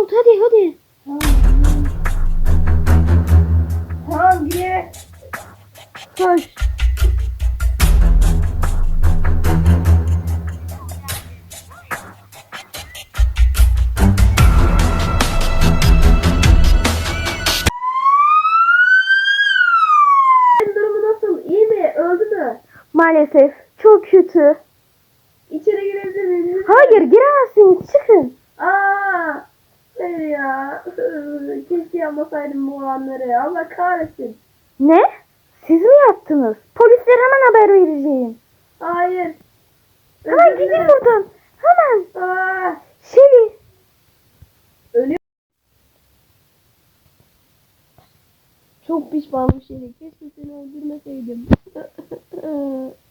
Umut hadi. Tamam gir. Koş. Durumu nasıl? İyi mi? Öldü mü? Maalesef çok kötü. İçeri girebilir miyim? Hayır giremezsiniz çıkın. Aa, ya. Keşke yapmasaydım bu olanları. Allah kahretsin. Ne? Siz mi yaptınız? Polislere hemen haber vereceğim. Hayır. Hemen Özür gidin dilerim. buradan. Hemen. Aa, Şeli. ölüyor. Çok pişmanım Şeli. Keşke seni öldürmeseydim.